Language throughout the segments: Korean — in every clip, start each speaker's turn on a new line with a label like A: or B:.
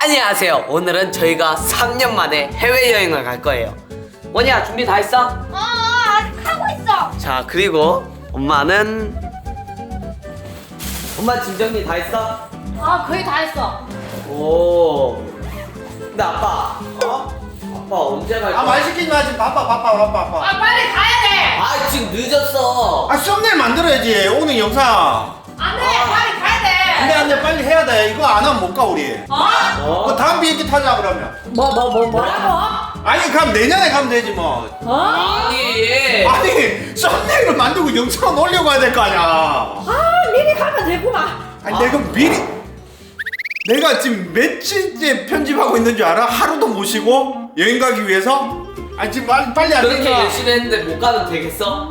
A: 안녕하세요. 오늘은 저희가 3년 만에 해외여행을 갈 거예요. 원이야, 준비 다 했어?
B: 아직 하고 있어.
A: 자, 그리고 엄마는 엄마 짐 정리 다 했어?
B: 거의 다 했어.
A: 오. 근데 아빠, 아빠 언제 갈 거야?
C: 말 시키지 마. 지금 바빠.
B: 빨리 가야 돼.
A: 지금 늦었어.
C: 썸네일 만들어야지. 오늘 영상.
B: 안 돼. 빨리 가야 돼.
C: 안돼 빨리 해야 돼. 이거 안 하면 못 가 우리. 그 다음 비행기 타자 그러면.
B: 뭐라고?
C: 아니 그럼 내년에 가면 되지 뭐.
A: 아니.
C: 아니 썸네일을 만들고 영상 올려고 해야 될 거 아니야.
B: 미리 가면 되구만.
C: 아니 내가 미리 내가 지금 며칠째 편집하고 있는 줄 알아? 하루도 못 쉬고 여행 가기 위해서? 아니 지금 빨리 안
A: 그렇게
C: 되니까.
A: 열심히 했는데 못 가면 되겠어?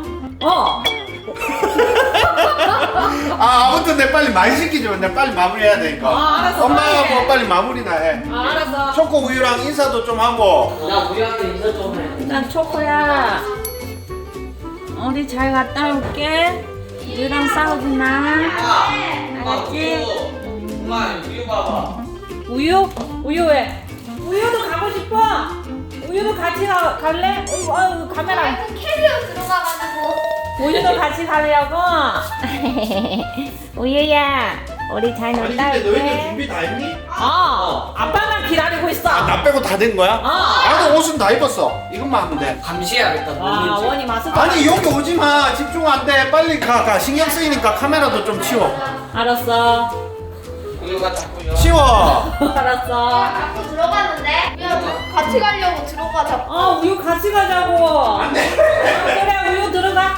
C: 아무튼 내 빨리 말 시키지 마. 내가 빨리 마무리해야 되니까.
B: 알았어.
C: 엄마가 뭐 빨리 마무리나 해.
B: 알았어.
C: 초코 우유랑 인사도 좀 하고.
A: 나 우리한테 인사 좀 해.
D: 일단 초코야 어디 잘 갔다 올게. 우유랑 싸우지 마. 알았지?
A: 엄마, 우유 봐봐.
D: 우유? 우유 왜? 우유도 가고 싶어? 우유도 같이 갈래? 어이구 카메라.
B: 캐리어 들어가가지고.
D: 우유도 같이 가려고? 우유야 우리 잘
C: 아니
D: 놀다
C: 근데 너희들
D: 올게.
C: 준비 다 했니?
D: 아빠만 기다리고 있어.
C: 나 빼고 다 된 거야? 나도 옷은 다 입었어. 이것만 하면 돼.
A: 감시해야겠다.
D: 와
A: 누군지.
D: 원이 마스크.
C: 아니 여기 오지 마. 집중 안 돼. 빨리 가. 신경 쓰이니까 카메라도 좀 치워.
D: 알았어.
A: 우유가 자꾸
C: 치워.
D: 알았어.
B: 자꾸 들어가는데? 야, 같이 가려고 들어가 자꾸.
D: 우유 같이 가자고.
C: 안 돼.
D: 그래 우유 들어가.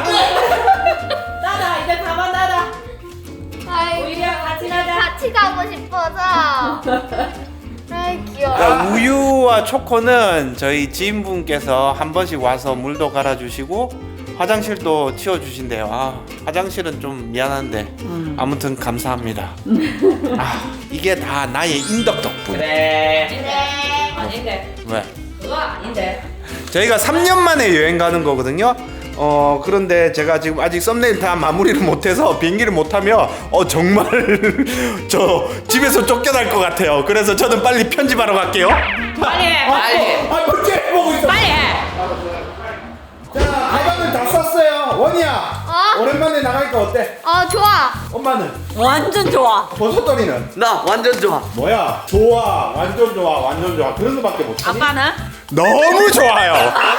D: 나다 이제 가만 나다.
B: 아이,
D: 우유랑 같이 가자.
B: 같이 가고 싶어서. 아이 귀여워.
C: 우유와 초코는 저희 지인분께서 한 번씩 와서 물도 갈아주시고 화장실도 치워주신대요. 화장실은 좀 미안한데 아무튼 감사합니다. 이게 다 나의 인덕 덕분.
A: 그래.
B: 네.
D: 아닌데.
C: 왜?
D: 그거 아닌데.
C: 저희가 3년 만에 여행 가는 거거든요. 그런데 제가 지금 아직 썸네일 다 마무리를 못해서 비행기를 못 타면 정말 저 집에서 쫓겨날 것 같아요. 그래서 저는 빨리 편집하러 갈게요.
D: 빨리 해.
A: 빨리.
C: 뭔지 보고 있어.
D: 빨리 해.
C: 자, 가방을 다 쌌어요. 원이야. 오랜만에 나가니까 어때?
B: 좋아.
C: 엄마는?
D: 완전 좋아.
C: 버섯돌이는?
A: 나 완전 좋아.
C: 뭐야? 좋아. 완전 좋아. 완전 좋아. 그런 거밖에 못하니?
D: 아빠는?
C: 너무 좋아요.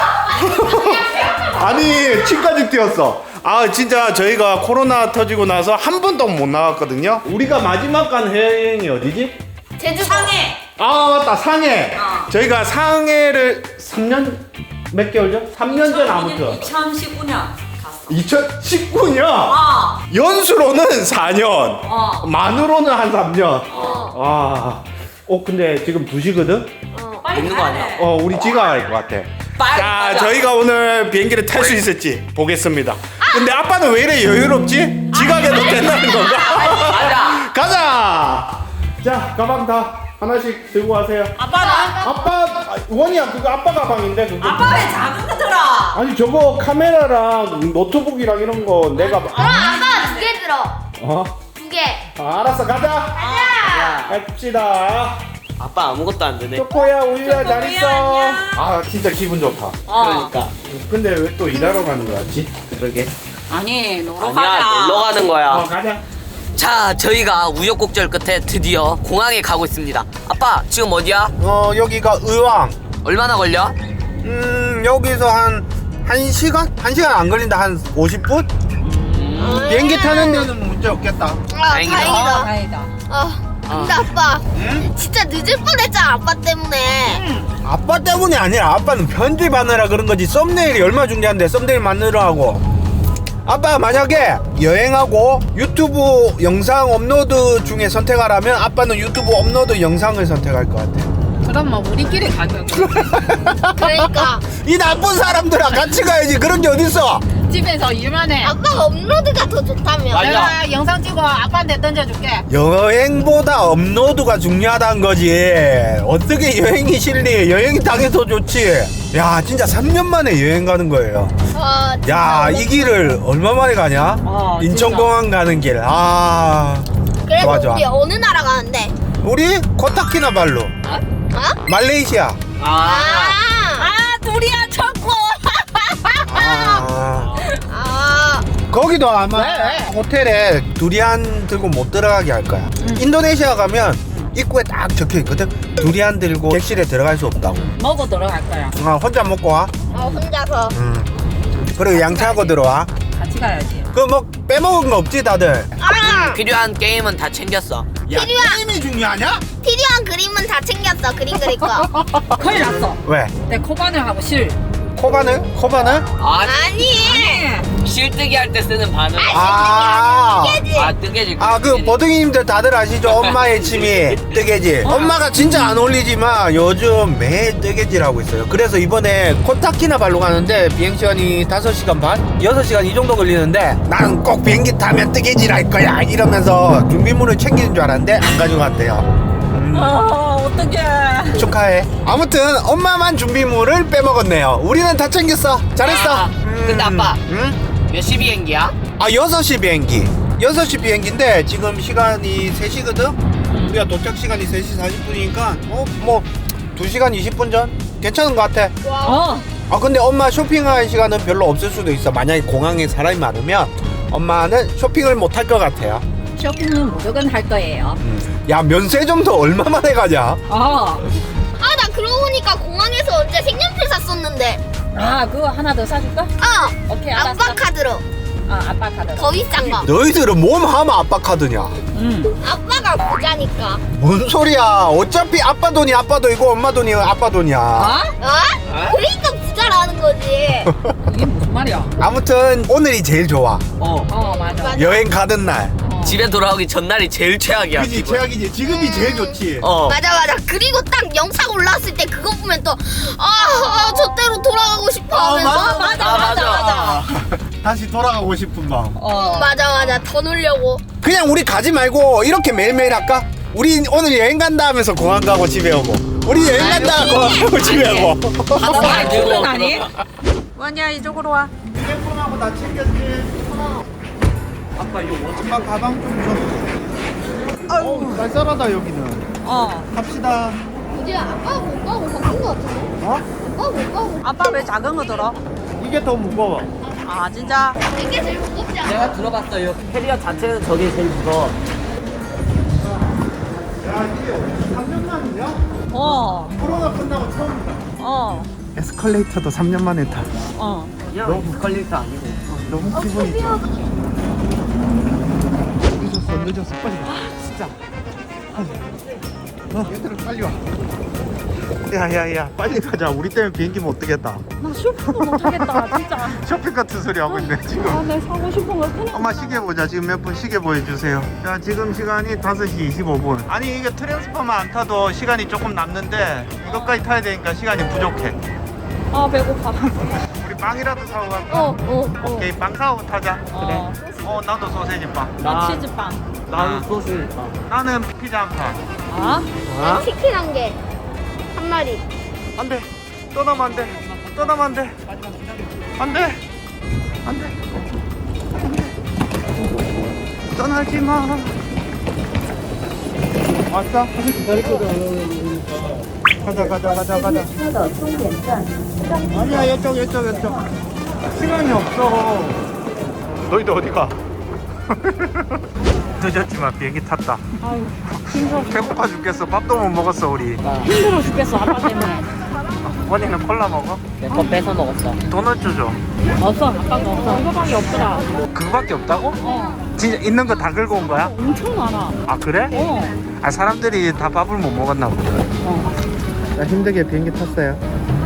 C: 아니 침까지 뛰었어. 진짜 저희가 코로나 터지고 나서 한 번도 못 나갔거든요. 우리가 마지막 간 해외여행이 어디지?
B: 제주도.
D: 상해.
C: 맞다, 상해. 저희가 상해를 3년 몇 개월 전? 3년 전 아무튼
D: 2019년 갔어.
C: 2019년 연수로는 4년 만으로는 한 3년. 근데 지금 2시거든?
D: 빨리
A: 있는 거
D: 가야
A: 아니야?
D: 돼.
C: 우리 지가 할 것 같아.
A: 빨리
C: 자,
A: 가자.
C: 저희가 오늘 비행기를 탈 수 있을지 보겠습니다. 근데 아빠는 왜 이래 여유롭지? 지각해도 된다는 건가?
A: 가자.
C: 가자! 자, 가방 다 하나씩 들고 가세요.
D: 아빠는?
C: 아빠, 원이야, 그거 아빠 가방인데, 그거.
D: 아빠 왜 작은 거 들어?
C: 아니, 저거 카메라랑 노트북이랑 이런 거 내가.
B: 그럼 아빠가 2개 들어. 2개.
C: 알았어, 가자!
B: 가자.
C: 갑시다.
A: 아빠 아무것도 안 되네.
C: 초코야, 우유야, 잘
D: 초코야,
C: 있어.
D: 안녕.
C: 진짜 기분 좋다.
A: 그러니까.
C: 근데 왜 또 일하러 가는 거였지?
A: 그러게.
D: 아니 놀러
A: 아니야,
D: 가자.
A: 놀러 가는 거야.
C: 가자.
A: 자, 저희가 우여곡절 끝에 드디어 공항에 가고 있습니다. 아빠, 지금 어디야?
C: 여기가 의왕.
A: 얼마나 걸려?
C: 여기서 한 1시간? 1시간 안 걸린다. 한 50분? 비행기 타는 데는 문제 없겠다.
A: 다행이다.
B: 다행이다.
D: 다행이다.
B: 근데 아빠, 진짜 늦을 뻔했잖아, 아빠 때문에.
C: 아빠 때문이 아니라 아빠는 편집하느라 그런 거지. 썸네일이 얼마 중요한데 썸네일 만들어 하고. 아빠 만약에 여행하고 유튜브 영상 업로드 중에 선택하라면 아빠는 유튜브 업로드 영상을 선택할 것 같아.
D: 그럼 뭐 우리끼리 가자.
B: 그러니까.
C: 이 나쁜 사람들아 같이 가야지. 그런 게 어딨어.
D: 집에서 일만 해.
B: 아빠가 업로드가 더 좋다며.
A: 맞아.
D: 내가 영상 찍어 아빠한테 던져줄게.
C: 여행보다 업로드가 중요하다는 거지. 어떻게 여행이 싫니? 여행이 당연히 더 좋지. 야, 진짜 3년 만에 여행 가는 거예요. 야, 이 길을 얼마 만에 가냐? 인천공항 가는 길.
B: 그래서
C: 좋아, 좋아.
B: 우리 어느 나라 가는데?
C: 우리 코타키나발루 말레이시아.
A: 아,
D: 두리안 천국.
C: 거기도 아마 호텔에 두리안 들고 못 들어가게 할 거야. 인도네시아 가면 입구에 딱 적혀 있거든. 두리안 들고 객실에 들어갈 수 없다고.
D: 먹어 들어갈 거야.
C: 혼자 먹고 와.
B: 혼자서.
C: 그리고 양치하고 들어와.
D: 같이 가야지.
C: 그 뭐 빼먹은 거 없지 다들?
A: 필요한 게임은 다 챙겼어.
C: 야, 게임이 중요하냐?
B: 필요한 그림은 다 챙겼어. 그림 그릴 거.
D: 큰일 났어.
C: 왜?
D: 내 코바늘하고 실.
C: 코바늘?
B: 아니.
A: 실뜨기 할 때 쓰는 바늘.
C: 아,
A: 뜨개질.
C: 그 버둥이님들 다들 아시죠? 엄마의 취미 뜨개질. 엄마가 진짜 안 어울리지만 요즘 매일 뜨개질 하고 있어요. 그래서 이번에 코타키나발루 가는데 비행시간이 5시간 반? 6시간 이 정도 걸리는데 나는 꼭 비행기 타면 뜨개질 할 거야 이러면서 준비물을 챙기는 줄 알았는데 안 가져갔대요.
D: 어떡해.
C: 축하해. 아무튼 엄마만 준비물을 빼먹었네요. 우리는 다 챙겼어. 잘했어.
A: 근데 아빠,
C: 응?
A: 몇 시 비행기야?
C: 6시 비행기. 6시 비행기인데 지금 시간이 3시거든? 우리가 도착 시간이 3시 40분이니까 뭐 2시간 20분 전? 괜찮은 것 같아. 근데 엄마 쇼핑할 시간은 별로 없을 수도 있어. 만약에 공항에 사람이 많으면 엄마는 쇼핑을 못 할 것 같아요.
D: 쇼핑은 무조건 할 거예요.
C: 야, 면세점도 얼마 만에 가냐?
B: 나 그러고 보니까 공항에서 언제 색연필 샀었는데.
D: 그거 하나 더 사줄까? 오케이, 알았어.
B: 아빠 카드로.
D: 아빠 카드.
B: 더 비싼 거.
C: 너희들은 몸 하면 아빠 카드냐?
B: 아빠가 부자니까.
C: 뭔 소리야? 어차피 아빠 돈이 아빠 돈이고 엄마 돈이 아빠 돈이야.
B: 그러니까 부자라는 거지.
D: 이게 무슨 말이야?
C: 아무튼 오늘이 제일 좋아.
D: 맞아.
C: 여행 가던 날.
A: 집에 돌아오기 전날이 제일 최악이야.
C: 그지, 최악이지. 지금이 제일 좋지.
B: 맞아. 그리고 딱 영상 올라왔을 때 그거 보면 또 저때로 돌아가고 싶어 하면서.
A: 맞아.
C: 다시 돌아가고 싶은 마음.
B: 맞아. 더 놀려고.
C: 그냥 우리 가지 말고 이렇게 매일매일 할까? 우리 오늘 여행 간다 하면서 공항 가고 집에 오고. 우리 여행 간다 공항 가고 집에 오고.
A: 바다만 들고.
D: 아니? 원이야, 이쪽으로 와.
C: 휴대폰하고 다 챙겼지. 아빠 이거 엄마 가방 좀 줘. 아유, 쌀쌀하다 여기는. 갑시다.
B: 이제 아빠가 못 가고 바뀐 거 같은데? 아빠가 못 가고.
D: 아빠 왜 작은 거 들어?
C: 이게 더 무거워.
D: 진짜?
B: 이게 제일 무겁지 않아?
A: 내가 들어봤어요. 캐리어 자체는 저게 제일 무거워.
C: 야, 이게 3년 만이냐? 코로나 끝나고 처음이다. 에스컬레이터도 3년 만에 타.
A: 너무 부컬리터 아니고.
C: 너무 기분이 좋아. 늦었어. 빨리 와. 진짜. 얘들아 빨리 와. 야야야 빨리 가자. 우리 때문에 비행기 못 뜨겠다.
D: 나 쇼핑도 못하겠다, 진짜.
C: 쇼핑 같은 소리 하고 있네 지금.
D: 내 사고 싶은 거 그냥.
C: 엄마 시계 보자. 지금 몇 분 시계 보여주세요. 자, 지금 시간이 5시 25분. 아니 이게 트랜스포만 안 타도 시간이 조금 남는데 이것까지 타야 되니까 시간이 부족해.
D: 배고파.
C: 우리 빵이라도 사고 갈까? 오케이, 빵 사고 타자.
D: 그래.
C: 나도 소세지 빵.
D: 나 치즈빵.
A: 나도 소스.
C: 나는 피자 한 판.
B: 치킨 한 개. 한 마리.
C: 안 돼. 떠나면 안 돼. 떠나면 안 돼. 안 돼. 안 돼. 떠나지 마. 왔어? 가자. 아니야, 이쪽. 시간이 없어. 너희들 어디 가? 늦었지만 비행기 탔다.
D: 아유, 힘들어.
C: 배고파 죽겠어. 밥도 못 먹었어 우리.
D: 힘들어 죽겠어, 아빠 때문에.
C: 원이는 콜라 먹어?
A: 내 거 뺏어 먹었어.
C: 도넛 주죠.
D: 없어, 아빠가 없어. 이거밖에 없더라.
C: 그거밖에 없다고? 진짜 있는 거 다 긁어 온 거야?
D: 엄청 많아.
C: 아 그래? 사람들이 다 밥을 못 먹었나 보다. 나 힘들게 비행기 탔어요.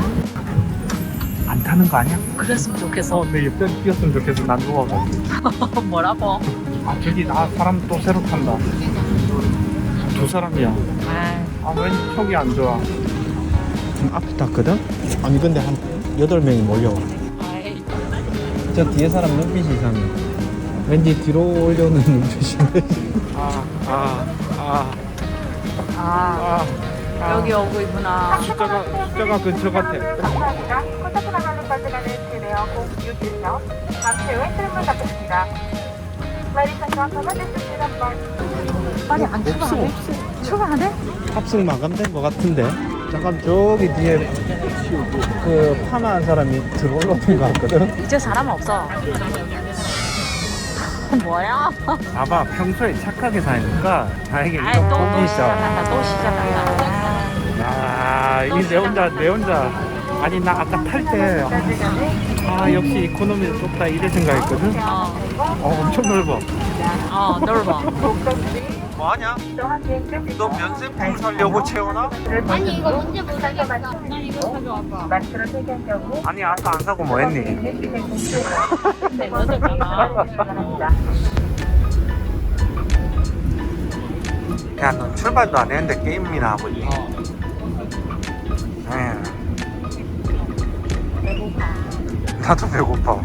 C: 안 타는 거 아니야?
D: 그랬으면 좋겠어.
C: 내 옆에 뛰었으면 좋겠어. 난 누워가지고.
D: 뭐라고?
C: 저기 사람 또 새로 탄다. 2사람이야. 왠지 촉이 안 좋아. 앞에 탔거든? 아니 근데 한 8명이 몰려와. 저 뒤에 사람 눈빛이 이상해. 왠지 뒤로 올려오는 눈빛인데.
D: 여기 오고 있구나.
C: 숫자가 근처 같아.
E: 감사합니다. 코타키나발루까지 가는 진에어 0614 잠시 후에 출발 받겠습니다. 마리사 정확하게 주시는 번.
D: 빨리 안 출발해. 출발 안 해?
C: 탑승 마감된 것 같은데. 잠깐 저기 뒤에 그 파마한 사람이 들어올라오는 것 같거든.
D: 이제 사람 없어. 뭐야?
C: 아마 평소에 착하게 사니까 다행히
D: 아이,
C: 좀
D: 또
C: 복이 있어.
D: 시작한다. 또 시작한다.
C: 아, 이 내 혼자. 아니 나 아까 탈 때 역시 이코노미도 좋다 이래 생각했거든. 엄청 넓어.
D: 넓어.
C: 뭐하냐? 너 면세품 사려고 채우나?
B: 아니 이거 언제 모르겠어.
E: 마스크를 착용할 경우
C: 아니 아까 안 사고 뭐 했니?
D: 네, 늦었잖아.
C: 야, 너 출발도 안 했는데 게임이나 하고 있니? 나도 배고파.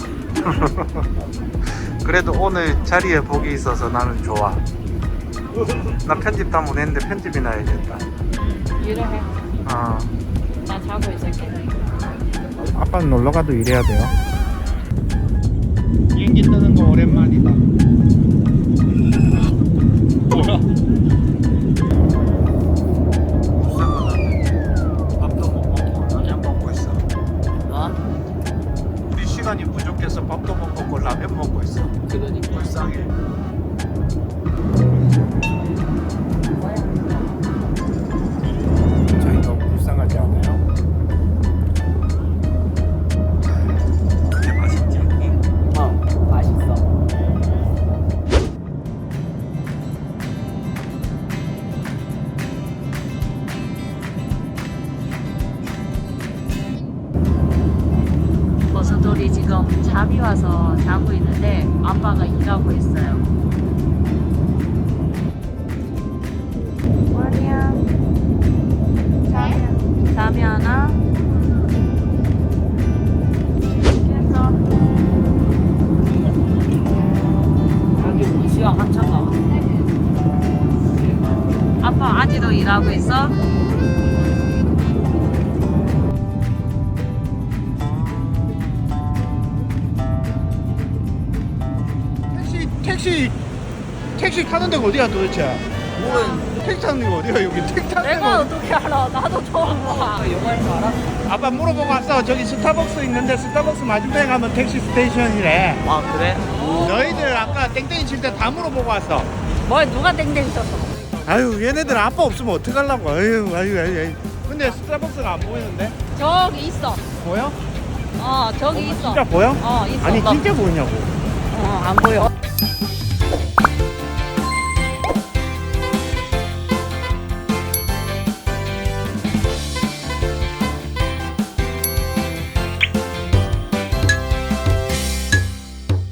C: 그래도 오늘 자리에 복이 있어서 나는 좋아. 나 편집 다 못했는데 편집이나 해야겠다.
D: 일해.
C: 어.
D: 나 자고 있을게.
C: 아빠는 놀러가도 일해야 돼요. 비행기 뜨는 거 오랜만이다. 뭐야? 밥도 못 먹고 라면 먹고 있어. 우리 시간이 부족해서 밥도 못 먹고 라면 먹고 있어.
A: 그러니까.
C: 불쌍해. 저희 너무 불쌍하지 않아요? 그게 맛있지?
A: 맛있어.
D: 버섯돌이 지금 잠이 와서 자고 있는데 아빠가 일하고 있어요. 뭐냐? 잠이 하나? 그래서 여기 무시야 한참 가. 아빠 아직도 일하고 있어?
C: 택시 타는 데가 어디야 도대체? 택시 타는 데가 어디야 여기? 택시 타는
D: 내가
C: 데가
D: 어떻게 알아? 나도 처음 봐.
A: 영화에서 알아?
C: 아빠 물어보고 왔어. 저기 스타벅스 있는데 스타벅스 맞은편에 가면 택시 스테이션이래.
A: 아 그래?
C: 너희들 아까 땡땡이 칠 때 다 물어보고 왔어.
D: 뭐 누가 땡땡 쳤어?
C: 아유 얘네들 아빠 없으면 어떡하려고. 아유. 근데 스타벅스가 안 보이는데?
D: 저기 있어.
C: 보여?
D: 저기 있어.
C: 진짜 보여?
D: 있어.
C: 아니 진짜 보이냐고.
D: 안 보여.